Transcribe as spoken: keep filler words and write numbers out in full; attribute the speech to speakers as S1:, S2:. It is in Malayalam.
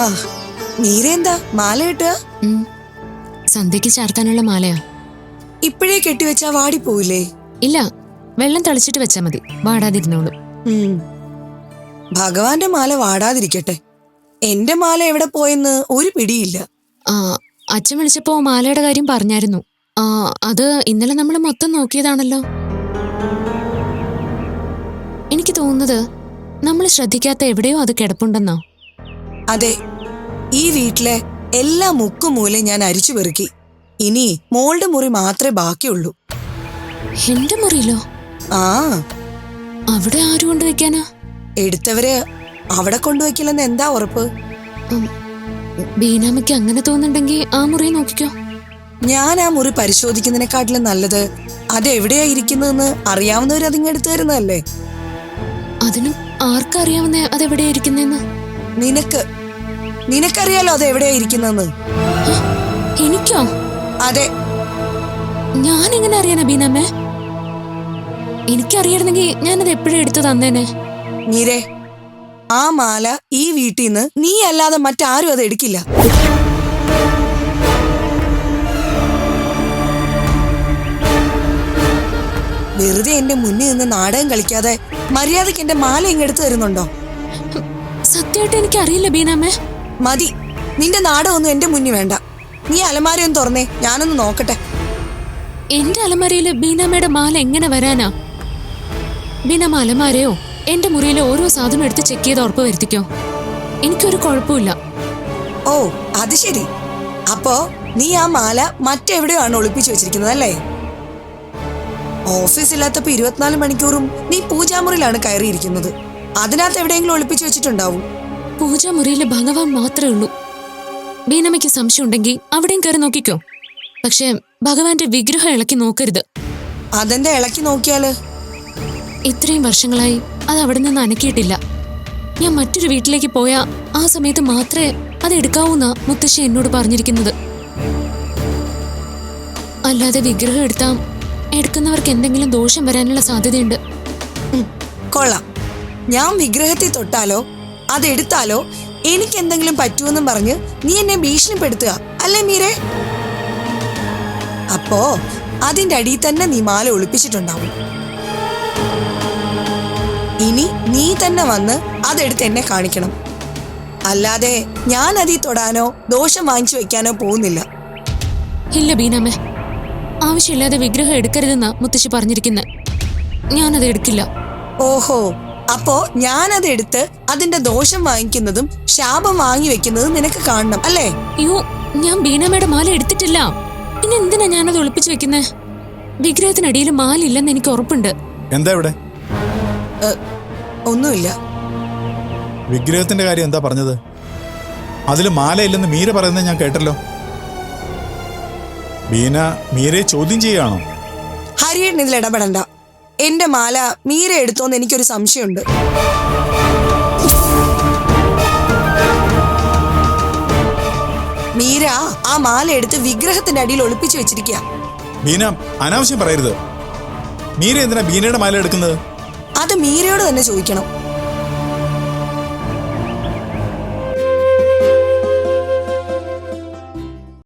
S1: മീര എന്താ മാല കെട്ടുക?
S2: സന്ധ്യക്ക് ചാർത്താനുള്ള മാലയാ.
S1: ഇപ്പോഴേ കെട്ടിവെച്ചാ വാടിപ്പോയില്ലേ?
S2: ഇല്ല, വെള്ളം തളിച്ചിട്ട് വെച്ചാ മതി, വാടാതിരുന്നോളൂ.
S1: ഭഗവാന്റെ മാല വാടാതിരിക്കട്ടെ. എന്റെ മാല എവിടെ പോയെന്ന് ഒരു പിടിയില്ല.
S2: ആ അച്ഛൻ വിളിച്ചപ്പോ മാലയുടെ കാര്യം പറഞ്ഞായിരുന്നു. ആ അത് ഇന്നലെ നമ്മൾ മൊത്തം നോക്കിയതാണല്ലോ. എനിക്ക് തോന്നുന്നത് നമ്മൾ ശ്രദ്ധിക്കാത്ത എവിടെയോ അത് കിടപ്പുണ്ടെന്നോ.
S1: അതെ, ഈ വീട്ടിലെ എല്ലാ മുക്കും മൂലയും ഞാൻ അരിച്ചു പെറുക്കി. ഇനി മോളുടെ മുറി മാത്രമേ ബാക്കിയുള്ളൂ.
S2: എന്റെ മുറിയിലോ?
S1: ആ,
S2: അവിടെ ആര് കൊണ്ടുവയ്ക്കാനാ?
S1: എടുത്തവര് അവിടെ കൊണ്ടുവയ്ക്കില്ലെന്ന് എന്താ ഉറപ്പ്?
S2: ബീനാമയ്ക്ക് അങ്ങനെ തോന്നുന്നുണ്ടെങ്കിൽ ആ മുറി നോക്കിക്കോ.
S1: ഞാൻ ആ മുറി പരിശോധിക്കുന്നതിനെക്കാട്ടിലും നല്ലത് അതെവിടെയാ ഇരിക്കുന്നതെന്ന് അറിയാവുന്നവർ അതിങ്ങ് എടുത്തു തരുന്നതല്ലേ.
S2: അതിനും ആർക്കറിയാവുന്ന അതെവിടെയാ ഇരിക്കുന്നെന്ന്?
S1: നിനക്ക് നിനക്കറിയാലോ അതെവിടെയാ ഇരിക്കുന്നെന്ന്.
S2: എനിക്കോ?
S1: അതെ.
S2: ഞാൻ എങ്ങനെ അറിയാനാ ബീനാമ്മേ? എനിക്കറിയായിരുന്നെങ്കിൽ ഞാനത് എപ്പോഴും എടുത്തു തന്നേനെ.
S1: മീരേ, ആ മാല ഈ വീട്ടിൽ നിന്ന് നീ അല്ലാതെ മറ്റാരും അത് എടുക്കില്ല. വെറുതെ എന്റെ മുന്നിൽ നിന്ന് നാടകം കളിക്കാതെ മര്യാദക്ക് എന്റെ മാല ഇങ്ങെടുത്ത് തരുന്നുണ്ടോ?
S2: സത്യമായിട്ട് എനിക്ക് അറിയില്ല ബീനാമ്മേ.
S1: മതി, നിന്റെ നാടകമൊന്നും എന്റെ മുന്നിൽ വേണ്ട. നീ അലമാരയൊന്ന് തുറന്നേ, ഞാനൊന്ന് നോക്കട്ടെ.
S2: എന്റെ അലമാരയില് ബീനാമ്മയുടെ മാല എങ്ങനെ വരാനാ? ബീനാമ്മ അലമാരയോ എന്റെ മുറിയിലെ ഓരോ സാധനം എടുത്ത് ചെക്ക് ചെയ്ത് ഉറപ്പ് വരുത്തിക്കോ. എനിക്കൊരു കുഴപ്പമില്ല.
S1: ഓ അത് ശരി. അപ്പോ നീ ആ മാല മറ്റെവിടെയോ ആണ് ഒളിപ്പിച്ചു വെച്ചിരിക്കുന്നത് അല്ലേ? ഓഫീസ് ഇല്ലാത്തപ്പോ ഇരുപത്തിനാല് മണിക്കൂറും നീ പൂജാമുറിയിലാണ് കയറിയിരിക്കുന്നത്. അതിനകത്ത് എവിടെയെങ്കിലും ഒളിപ്പിച്ചു വെച്ചിട്ടുണ്ടാവും.
S2: പൂജാമുറിയിലെ ഭഗവാൻ മാത്രമേ ഉള്ളൂ. ബീനമ്മയ്ക്ക് സംശയം ഉണ്ടെങ്കിൽ അവിടെയും കയറി നോക്കിക്കോ. പക്ഷെ ഭഗവാന്റെ വിഗ്രഹം ഇളക്കി നോക്കരുത്.
S1: അതെന്താ ഇളക്കി നോക്കിയാല്?
S2: ഇത്രയും വർഷങ്ങളായി അത് അവിടെ നിന്ന് അനക്കിയിട്ടില്ല. ഞാൻ മറ്റൊരു വീട്ടിലേക്ക് പോയ ആ സമയത്ത് മാത്രമേ അത് എടുക്കാവൂന്നാ മുത്തശ്ശി എന്നോട് പറഞ്ഞിരിക്കുന്നത്. അല്ലാതെ വിഗ്രഹം എടുത്താ എടുക്കുന്നവർക്ക് എന്തെങ്കിലും ദോഷം വരാനുള്ള സാധ്യതയുണ്ട്.
S1: കൊള്ളാം. ഞാൻ വിഗ്രഹത്തെ തൊട്ടാലോ അതെടുത്താലോ എനിക്ക് എന്തെങ്കിലും പറ്റുമെന്നും പറഞ്ഞ് നീ എന്നെ ഭീഷണിപ്പെടുത്തുക അല്ലേ മീരേ? അപ്പോ അതിന്റെ അടിയിൽ തന്നെ നീ മാല ഒളിപ്പിച്ചിട്ടുണ്ടാവും. ഇനി നീ തന്നെ വന്ന് അതെടുത്ത് എന്നെ കാണിക്കണം. അല്ലാതെ ഞാൻ അതിൽ തൊടാനോ ദോഷം വാങ്ങിച്ചു വെക്കാനോ പോകുന്നില്ല.
S2: ഇല്ല ബീനാമ്മേ, ആവശ്യമില്ലാതെ വിഗ്രഹം എടുക്കരുതെന്നാ മുത്തശ്ശി പറഞ്ഞിരിക്കുന്നത്. ഞാനത് എടുക്കില്ല.
S1: ഓഹോ, അപ്പോ ഞാനത് എടുത്ത് അതിന്റെ ദോഷം വാങ്ങിക്കുന്നതും ശാപം വാങ്ങി വെക്കുന്നതും നിനക്ക് കാണണം അല്ലേ?
S2: അയ്യോ, ഞാൻ ബീനാമ്മയുടെ മാല എടുത്തിട്ടില്ല. പിന്നെ എന്തിനാ ഞാനത് ഒളിപ്പിച്ചു വെക്കുന്നേ? വിഗ്രഹത്തിനടിയിൽ മാല ഇല്ലെന്ന് എനിക്ക് ഉറപ്പുണ്ട്.
S3: എന്താ ഇവിടെ?
S1: ഒന്നുമില്ല.
S3: വിഗ്രഹത്തിന്റെ കാര്യം എന്താ പറഞ്ഞത്? അതില് മാല ഇല്ലെന്ന് മീര പറയുന്നത് ഞാൻ കേട്ടല്ലോ. ബീന മീരയെ ചോദ്യം ചെയ്യുകയാണോ?
S1: ഹരിയേട്ടൻ ഇതിൽ ഇടപെടണ്ട. എന്റെ മാല മീര എടുത്തോന്ന് എനിക്കൊരു സംശയമുണ്ട്. മീര ആ മാല എടുത്ത് വിഗ്രഹത്തിന്റെ അടിയിൽ ഒളിപ്പിച്ചു വെച്ചിരിക്കുക.
S3: ബീന അനാവശ്യം പറയരുത്. മീര എന്തിനാ ബീനയുടെ മാല എടുക്കുന്നത്?
S1: അത് മീരയോട് തന്നെ ചോദിക്കണം.